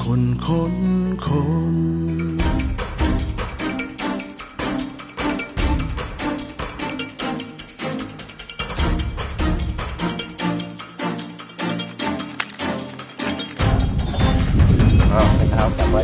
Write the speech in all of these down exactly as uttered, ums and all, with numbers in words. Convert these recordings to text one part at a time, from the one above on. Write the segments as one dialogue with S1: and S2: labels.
S1: คนคนคน
S2: อ้าวเป็นเท้าจับไว้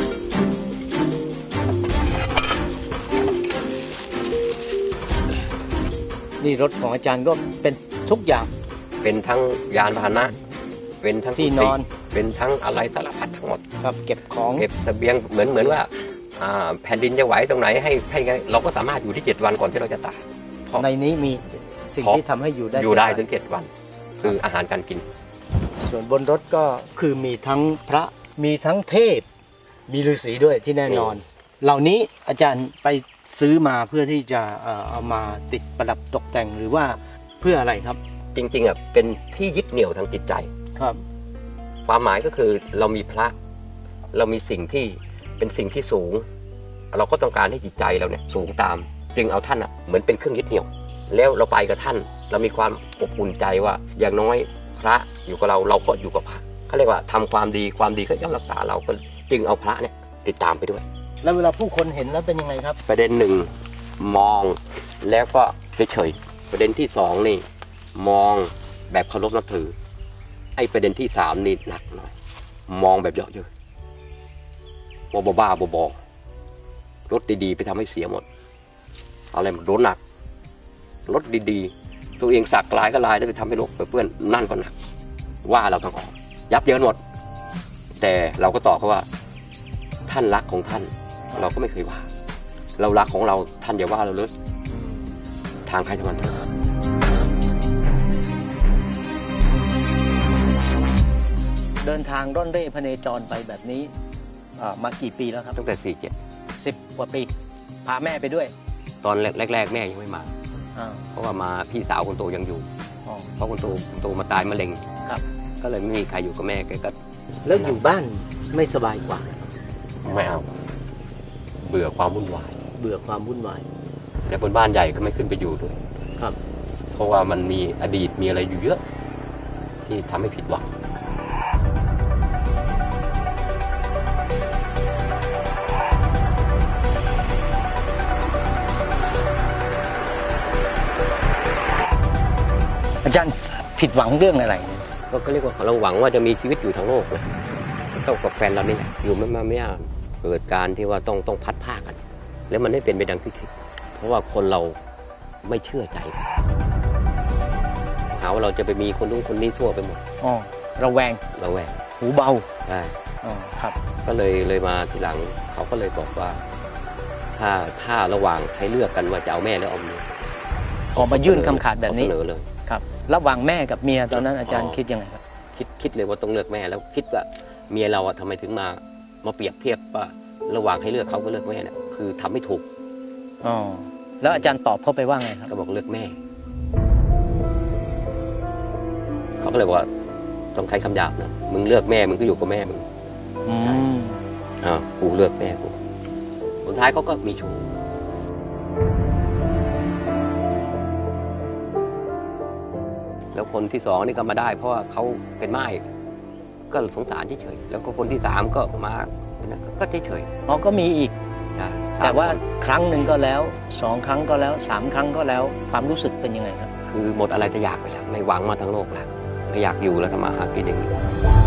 S3: นี่รถของอาจารย์ก็เป็นทุกอย่าง
S2: เป็นทั้งยานพาหนะเป็นทั้ง
S3: ที่นอน
S2: เป็นทั้งอะไรสารพัดทั้งหมด
S3: ครับเก็บของ
S2: เก็บเสบียงเหมือนเหมือนว่าอ่าแผ่นดินจะไหวตรงไหนให้ให้ไงเราก็สามารถอยู่ที่เจ็ดวันก่อนที่เราจะตายเพราะ
S3: ในนี้มีสิ่งที่ทำให้อยู่ได้
S2: อยู่ได้
S3: เจ็
S2: ถึงเจ็ดวัน คืออาหารการกิน
S3: ส่วนบนรถก็คือมีทั้งพระมีทั้งเทพมีฤาษีด้วยที่แน่นอน เหล่านี้อาจารย์ไปซื้อมาเพื่อที่จะเอ่อเอามาติดประดับตกแต่งหรือว่าเพื่ออะไรครับ
S2: จริงๆอ่ะเป็นที่ยึดเหนี่ยวทางจิตใจ
S3: ครับ
S2: ความหมายก็คือเรามีพระเรามีสิ่งที่เป็นสิ่งที่สูงเราก็ต้องการให้จิตใจเราเนี่ยสูงตามจึงเอาท่านอ่ะเหมือนเป็นเครื่องยึดเหนี่ยวแล้วเราไปกับท่านเรามีความอบอุ่นใจว่าอย่างน้อยพระอยู่กับเราเราก็อยู่กับพระเขาเรียกว่าทำความดีความดีก็ย่อมรักษาเราก็จึงเอาพระเนี่ยติดตามไปด้วย
S3: แล้วเวลาผู้คนเห็นแล้วเป็นยังไงครับ
S2: ประเด็นหนึ่งมองแล้วก็เฉยๆประเด็นที่สองนี่มองแบบเคารพนับถือไอ้ประเด็นที่สามนี่หนักหน่อยมองแบบเยอะเยอะบ้าบ้าบอรถดีๆไปทำให้เสียหมดอะไรมันโดนหนักรถดีๆตัวเองสักลายก็ลายแล้วไปทำให้รถเปื้อนนั่นก็หนักว่าเราทั้งออกยับเยินหมดแต่เราก็ตอบเขาว่าท่านรักของท่านเราก็ไม่เคยว่าเรารักของเราท่านอย่าว่าเราเลยทางใครทางมัน
S3: เดินทางร่อนเร่พเนจรไปแบบนี้มากี่ปีแล้วครับ
S2: ตั้งแต่สี่เจ็ด
S3: สิบกว่าปีพาแม่ไปด้วย
S2: ตอนแรกๆแม่ยังไม่มาเพราะว่ามาพี่สาวคนโตยังอยู่เพราะคนโตคนโตมาตายมะเร็ง
S3: ครับ
S2: ก็เลยไม่มีใครอยู่กับแม่แกก็
S3: แล้วอยู่บ้านไม่สบายกว่า
S2: ไม่เอาเบื่อความวุ่นวาย
S3: เบื่อความวุ่นวาย
S2: และบนบ้านใหญ่ก็ไม่ขึ้นไปอยู่ด้วย
S3: ครับ
S2: เพราะว่ามันมีอดีตมีอะไรอยู่เยอะที่ทำให้ผิดหวัง
S3: อาจารย์ผิดหวังเรื่องอะไร
S2: ก็เรียกว่าเราหวังว่าจะมีชีวิตอยู่ทั้งโลกนะเท่ากับแฟนเรานี่อยู่ไม่มาไม่ยากเกิดการที่ว่าต้องต้องพัดผ้ากันแล้วมันไม่เป็นไปดังที่คิดเพราะว่าคนเราไม่เชื่อใจกันหาว่าเราจะไปมีคนนู้นคนนี้ทั่วไปหมด
S3: อ๋อระแวง
S2: ระแวง
S3: หูเบา
S2: ใช่
S3: อ๋อครับ
S2: ก็เลยเลยมาทีหลังเขาก็เลยบอกว่าถ้าถ้าระหว่างให้เลือกกันว่าจะเอาแม่หรือเอาเมีย
S3: ออกมายื่นคำขาดแบบนี้
S2: เสนอเลย
S3: ครับระหว่างแม่กับเมียตอนนั้นอาจารย์คิดยังไงครับ
S2: คิดคิดเลยว่าต้องเลือกแม่แล้วคิดว่าเมียเราทำไมถึงมามาเปรียบเทียบว่าระหว่างให้เลือกเขาก็เลือกแม่เนี่ยคือทำไม่ถูก
S3: อ๋อแล้วอาจารย์ตอบเขาไปว่าไงครับ
S2: ก็บอกเลือกแม่เขาก็เลยบอกว่าต้องใช้คำหยาบนะมึงเลือกแม่มึงก็อยู่กับแม่มึง
S3: อืม
S2: อ่ากูเลือกแม่กูสุดท้ายเขาก็มีชู้แล้วคนที่สองนี่ก็มาได้เพราะว่าเขาเป็นไม้ก็สงสารเฉยๆแล้วก็คนที่สามก็มาก็เฉย
S3: ๆอ๋อก็มีอีกแต่ว่าครั้งหนึ่งก็แล้วสองครั้งก็แล้วสามครั้งก็แล้วความรู้สึกเป็นยังไงครับ
S2: คือหมดอะไรจะอยากไปแล้วไม่หวังมาทั้งโลกแล้วไม่อยากอยู่แล้วทำมาหากินอย่างนี้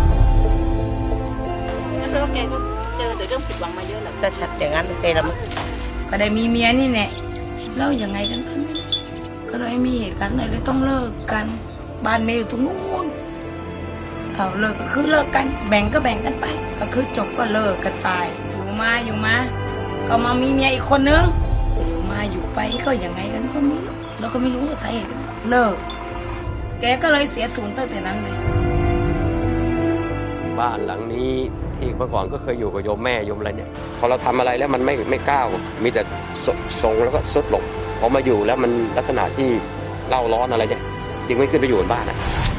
S4: แล้วแกก็เจอแต่เรื่องผิดหวังมาเยอะแหละ
S3: แต่อย่างนั้นแกละ
S4: ก็ได้มีเมียนี่แน่เล่ายังไงกันก็เลยมีเหตุการณ์อะไรเลยต้องเลิกกันบ้านเมย์อยู่ตรงนู้นเอาเลิกก็คือเลิกกันแบ่งก็แบ่งกันไปก็คือจบก็เลิกกันไปอยู่มาอยู่มาก็มามีเมียอีกคนนึงอยู่มาอยู่ไปก็ยังไงกันก็ไม่รู้เราก็ไม่รู้สาเหตุเลิกแกก็เลยเสียศูนย์ตั้งแต่นั้นเลย
S2: บ้านหลังนี้ที่เมื่อก่อนก็เคยอยู่กับโยมแม่โยมอะไรเนี่ยพอเราทำอะไรแล้วมันไม่ไม่ก้าวมีแต่ทรงแล้วก็ซุดลงพอมาอยู่แล้วมันลักษณะที่เล่าร้อนอะไรเนี่ยจึงไม่ขึ้นไปอยู่บนบ้านนะ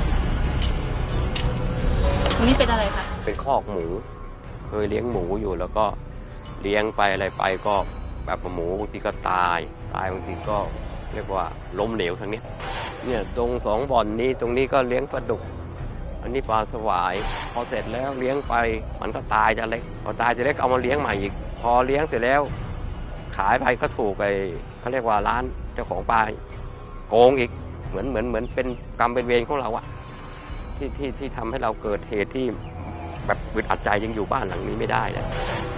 S4: ตรงนี้เป็นอะไรคะ
S2: เป็นคอกหมูเคยเลี้ยงหมูอยู่แล้วก็เลี้ยงไปอะไรไปก็แบบหมูบางทีก็ตายตายบางทีก็เรียกว่าล้มเหลวทางนี้เนี่ยตรงสองบ่อนนี้ตรงนี้ก็เลี้ยงปลาดุกอันนี้ปลาสวายพอเสร็จแล้วเลี้ยงไปมันก็ตายจะเล็กพอตายจะเล็กเอามาเลี้ยงใหม่อีกพอเลี้ยงเสร็จแล้วขายไปก็ถูกไปเขาเรียกว่าร้านเจ้าของปลาโกงอีกเหมือนเหมือนเหมือนเป็นกรรมเป็นเวรของเราอะที่ที่ที่ทำให้เราเกิดเหตุที่แบบอึดอัดใจยังอยู่บ้านหลังนี้ไม่ได้นะ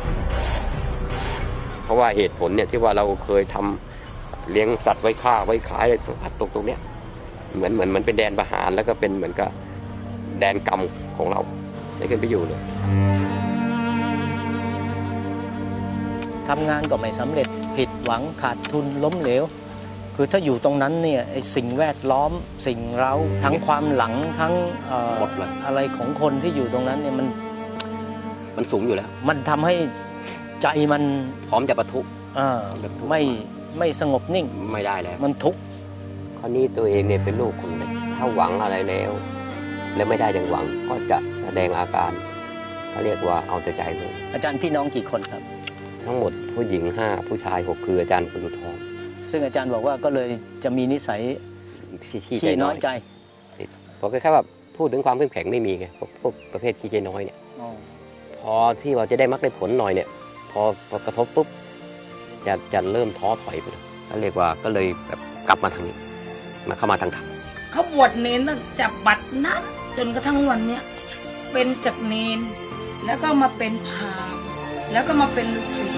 S2: เพราะว่าเหตุผลเนี่ยที่ว่าเราเคยทำเลี้ยงสัตว์ไว้ฆ่าไว้ขายอะไรสัตว์ตรงตรงเนี้ยเหมือนเหมือนมันเป็นแดนประหารแล้วก็เป็นเหมือนกับแดนกรรมของเราได้ขึ้นไปอยู่เลย
S3: ทำงานก็ไม่สำเร็จผิดหวังขาดทุนล้มเหลวคือถ้าอยู่ตรงนั้นเนี่ยไอ้สิ่งแวดล้อมสิ่งเร้าทั้งความหลังทั้งเอ่ออะไรของคนที่อยู่ตรงนั้นเนี่ยมัน
S2: มันสูงอยู่แล้ว
S3: มันทำให้ใจมัน
S2: พร้อมจะปะทุ
S3: อ่าไม่ไม่สงบนิ่ง
S2: ไม่ได้แล้ว
S3: มันทุกข์
S2: คราวนี้ตัวเองเนี่ยเป็นลูกคนเล็กถ้าหวังอะไรแล้วแล้วไม่ได้อย่างหวังก็จะแสดงอาการเขาเรียกว่าเอาแต่ใจเลย
S3: อาจารย์พี่น้องกี่คนครับ
S2: ทั้งหมดผู้หญิงห้าผู้ชายหกคืออาจารย์คนสุดท้อง
S3: ซึ่งอาจารย์บอกว่าก็เลยจะมีนิสัยขี้น้อยใจ
S2: เพราะแค่แบบพูดถึงความเข้มแข็งไม่มีไงพวกประเภทขี้ใจน้อยเนี่ยพอที่เราจะได้มักได้ผลหน่อยเนี่ยพอพอกระทบปุ๊บจะจะเริ่มท้อถอยไปเลยเขาเรียกว่าก็เลยแบบกลับมาทางนี้มาเข้ามาทางธรรม
S4: เขาบวชเนรตั้งแต่บัดนั้นจนกระทั่งวันเนี้ยเป็นจากเนรแล้วก็มาเป็นพราหมณ์แล้วก็มาเป็นฤาษี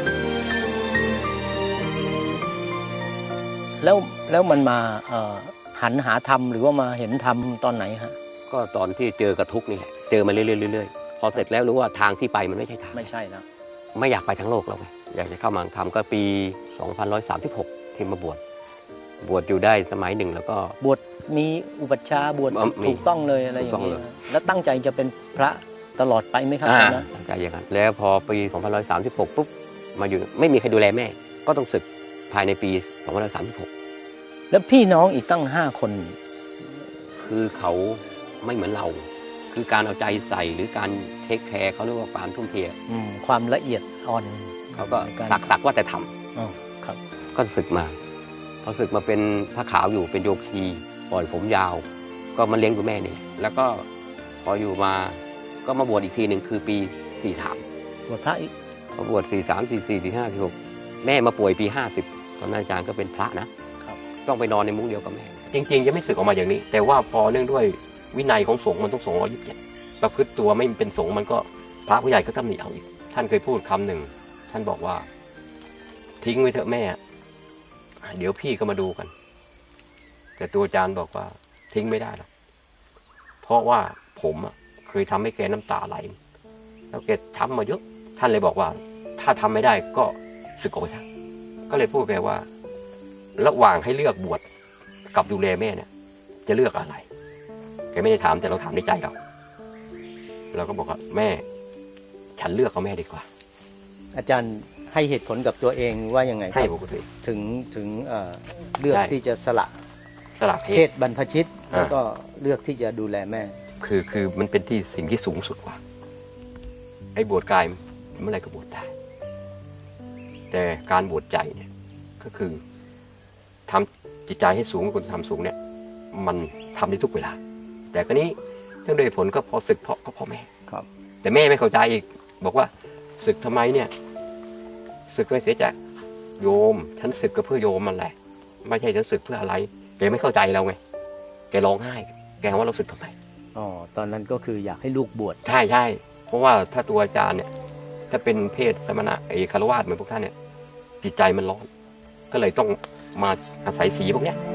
S3: แล้วแล้วมันมาหันหาธรรมหรือว่ามาเห็นธรรมตอนไหนฮะ
S2: ก็ตอนที่เจอกระทุกนี่แหละเจอมาเรื่อยๆพอเสร็จแล้วรู้ว่าทางที่ไปมันไม่ใช่ทาง
S3: ไม่ใช่แล้ว
S2: ไม่อยากไปทั้งโลกแล้วไงอยากจะเข้ามาทำก็ปีสองพันหนึ่งร้อยสามสิบหกที่มาบวชบวชอยู่ได้สมัยหนึ่งแล้วก็
S3: บวชมีอุปัชฌาย์บวชถูกต้องเลยอะไรอย่างนี้แล้วตั้งใจจะเป็นพระตลอดไปไหมครับนะ
S2: ตั้งใจอย่างนั้นแล้วพอปีสองพันหนึ่งร้อยสามสิบหกปุ๊บมาอยู่ไม่มีใครดูแลแม่ก็ต้องศึกภายในปีสองพันหนึ่งร้อยสามสิบหก
S3: แล้วพี่น้องอีกตั้งห้าคน
S2: คือเขาไม่เหมือนเราคือการเอาใจใส่หรือการเทคแคร์เขาเรียกว่าความทุ่มเท
S3: ความละเอียดอ่อน
S2: เขาก็สักสักว่าแต่ท
S3: ำครับ
S2: ก็ศึกมาพอศึกมาเป็นพระขาวอยู่เป็นโยคีปล่อยผมยาวก็มาเลี้ยงดูแม่นี่แล้วก็พออยู่มาก็มาบวชอีกทีหนึ่งคือปีสี่สาม
S3: บวชพระอีก
S2: พอบวชสี่สามสี่สี่สี่ห้าสี่หกแม่มาป่วยปีห้าสิบตอนนั้นอาจารย์ก็เป็นพระนะต้องไปนอนในมุ้งเดียวกับแม่จริงๆจะไม่สึกออกมาอย่างนี้แต่ว่าพอเนื่องด้วยวินัยของสงฆ์มันต้องสองร้อยยี่สิบเจ็ดประพฤติตัวไม่เป็นสงฆ์มันก็พระผู้ใหญ่ก็ตำหนิเอาอีกท่านเคยพูดคำหนึ่งท่านบอกว่าทิ้งไว้เถอะแม่เดี๋ยวพี่ก็มาดูกันแต่ตัวอาจารย์บอกว่าทิ้งไม่ได้หรอกเพราะว่าผมเคยทำให้แกน้ำตาไหลแล้วแกทำมาเยอะท่านเลยบอกว่าถ้าทำไม่ได้ก็สึกออกไปซะก็เลยพูดแกว่าระหว่างให้เลือกบวชกับดูแลแม่เนี่ยจะเลือกอะไรแกไม่ได้ถามแต่เราถามในใจเราเราก็บอกว่าแม่ฉันเลือกเอาแม่ดีกว่า
S3: อาจารย์ให้เหตุผลกับตัวเองว่ายังไง
S2: ให้ปกติ
S3: ถึงถึงเอ่อเลือกที่จะสละ
S2: สละ
S3: เพศบรรพชิตแล้วก็เลือกที่จะดูแลแม่
S2: คือคือมันเป็นที่สิ่งที่สูงสุดกว่าไอ้บวชกายเมื่อไรก็บวชได้แต่การบวชใจเนี่ยก็คือทำจิตใจให้สูงคุณทำสูงเนี่ยมันทำได้ทุกเวลาแต่ก็นี้เรื่องโดยผลก็พอศึกเพราะก็พ่อแม่
S3: ครับ
S2: แต่แม่ไม่เข้าใจอีกบอกว่าศึกทำไมเนี่ยศึกไม่เสียใจโยมฉันศึกก็เพื่อโยมมันแหละไม่ใช่ฉันศึกเพื่ออะไรแกไม่เข้าใจเราไงแกร้องไห้แกว่าเราศึกทำไม
S3: อ๋อตอนนั้นก็คืออยากให้ลูกบวช
S2: ใช่ใช่เพราะว่าถ้าตัวอาจารย์เนี่ยถ้าเป็นเพศสมณะไอ้คารวะเหมือนพวกท่านเนี่ยจิตใจมันร้อนก็เลยต้องมาอาศัยสีพวกเนี้ย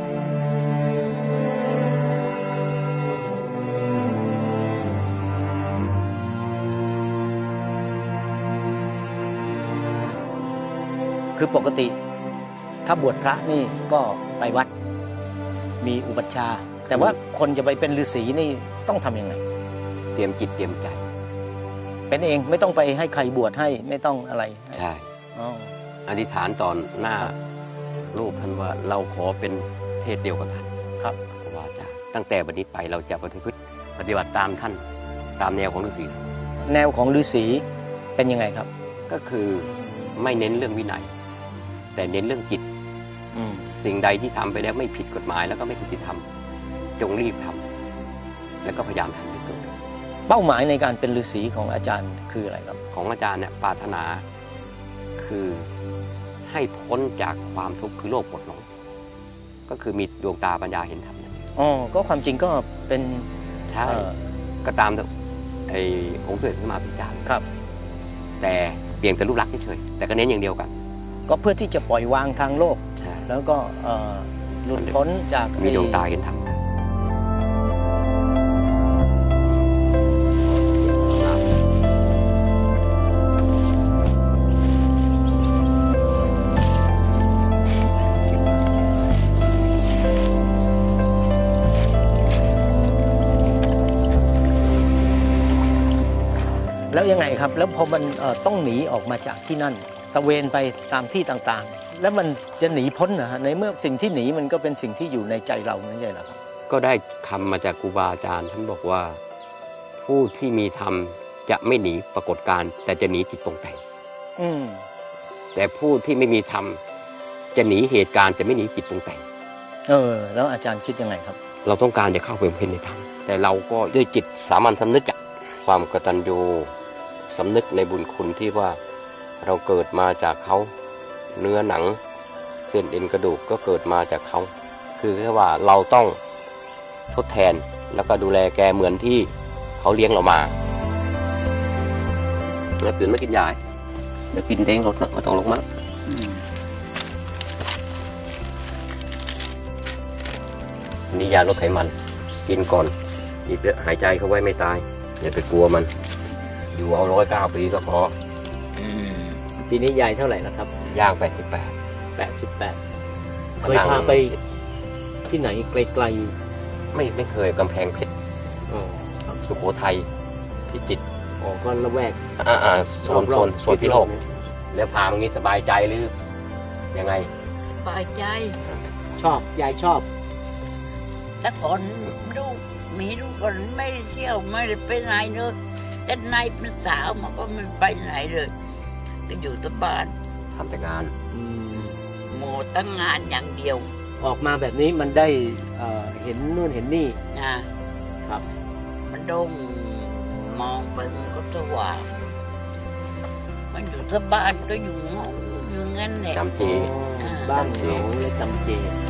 S3: คือปกติถ้าบวชพระนี่ก็ไปวัดมีอุปัชฌาย์แต่ว่าคนจะไปเป็นฤาษีนี่ต้องทำยังไง
S2: เตรียมจิตเตรียมใจ
S3: เป็นเองไม่ต้องไปให้ใครบวชให้ไม่ต้องอะไร
S2: ใช่อธิษฐานตอนหน้ารูปท่านว่าเราขอเป็นเพศเดียวกับท่าน
S3: ครับ
S2: ครูบาอาจารย์ตั้งแต่บัดนี้ไปเราจะปฏิพฤติปฏิบัติตามท่านตามแนวของฤาษี
S3: แนวของฤาษีเป็นยังไงครับ
S2: ก็คือไม่เน้นเรื่องวินัยแต่เน้นเรื่องจิตสิ่งใดที่ทำไปแล้วไม่ผิดกฎหมายแล้วก็ไม่ผิดศีลธรรมจงรีบทแล้วก็พยายามทำให้เกิด
S3: เป้าหมายในการเป็นฤาษีของอาจารย์คืออะไรครับ
S2: ของอาจารย์เนี่ยปรารถนาคือให้พ้นจากความทุกข์คือโลภหมดหลงก็คือมีดวงตาปัญญาเห็นธรรมนั่นเอง
S3: อ๋อก็ความจริงก็เป็น
S2: ใช่
S3: เอ่อ
S2: ก็ตามไอ้องค์สมเด็จพระมหาพิจารย์
S3: ครับ
S2: แต่เปลี่ยนเป็นรูปลักษณ์เฉยๆแต่ก็เน้นอย่างเดียวกัน
S3: ก็เพื่อที่จะปล่อยวางทางโลก
S2: ใช่
S3: แล้วก็เอ่อหลุดพ้นจาก
S2: มีดวงตา
S3: ไอ้
S2: เห็นธรรม
S3: แล้วยังไงครับ แล้วพอมันเอ่อต้องหนีออกมาจากที่นั่นตะเวนไปตามที่ต่างๆ แล้วมันจะหนีพ้นนะฮะในเมื่อสิ่งที่หนีมันก็เป็นสิ่งที่อยู่ในใจเราไม่ใช่เหรอครับ
S2: ก็ได้คำมาจากครูบาอาจารย์ท่านบอกว่า ผู้ที่มีธรรมจะไม่หนีปรากฏการณ์แต่จะหนีจิตปรุงแต่ง
S3: อืม
S2: แต่ผู้ที่ไม่มีธรรมจะหนีเหตุการณ์จะไม่หนีจิตปรุงแต่ง
S3: เออ แล้วอาจารย์คิดยังไงครับ
S2: เราต้องการจะเข้าไปบำเพ็ญในธรรมแต่เราก็ด้วยจิตสามัญสำนึกจากความกตัญญูสำนึกในบุญคุณที่ว่าเราเกิดมาจากเขาเนื้อหนังเส้นเอ็นกระดูกก็เกิดมาจากเขาคือแค่ว่าเราต้องทดแทนแล้วก็ดูแลแกเหมือนที่เขาเลี้ยงเรามาแล้วตื่นมากินยาเดี๋ยวกินเด้งรถมาต้องลงมานี่ยาลดไขมันกินก่อนอีกเยอะหายใจเขาไว้ไม่ตายอย่าไปกลัวมันอยู่เอาร้อยเก้าปีก็พอ
S3: ปีนี้ยายเท่าไหร่แล้วครับ
S2: ย่างไปสิบแปด
S3: แปดสิบแปดเคยพาไปที่ไหนไกล
S2: ไม่ไม่เคยกำแพงเพชร
S3: ๆอ๋อครับ
S2: สุโขทัยพิจิตร
S3: อ๋อก็ละแวก
S2: อ่าอ่าโซน
S3: ร
S2: โซ
S3: อบ
S2: น
S3: ๆ
S2: โซนพิโลก
S3: เนี่ย
S2: แล้วพามางี้สบายใจหรือยังไง
S5: ปลายใจ
S3: ชอบยายชอบ
S5: แต่ก่อนลูกมีลูกคนไม่ได้เที่ยวไม่ได้ไปไหนเลยแต่ในเป็นสาวมันก็ไม่ไปไหนเลยก็อยู่แตบ้าน
S2: ทำแต่งาน
S3: อืม
S5: โมตั้งงานอย่างเดียว
S3: ออกมาแบบนี้มันได้เอ่อเห็นนู่นเห็นนี่
S5: นะครับ มันโด่งมองไปมันก็สว่างมันอยู่แตบ้านก็อยู่เงาอยู่งั้นแหละ
S2: จำเจ
S3: บ้านเหงาและจำเจ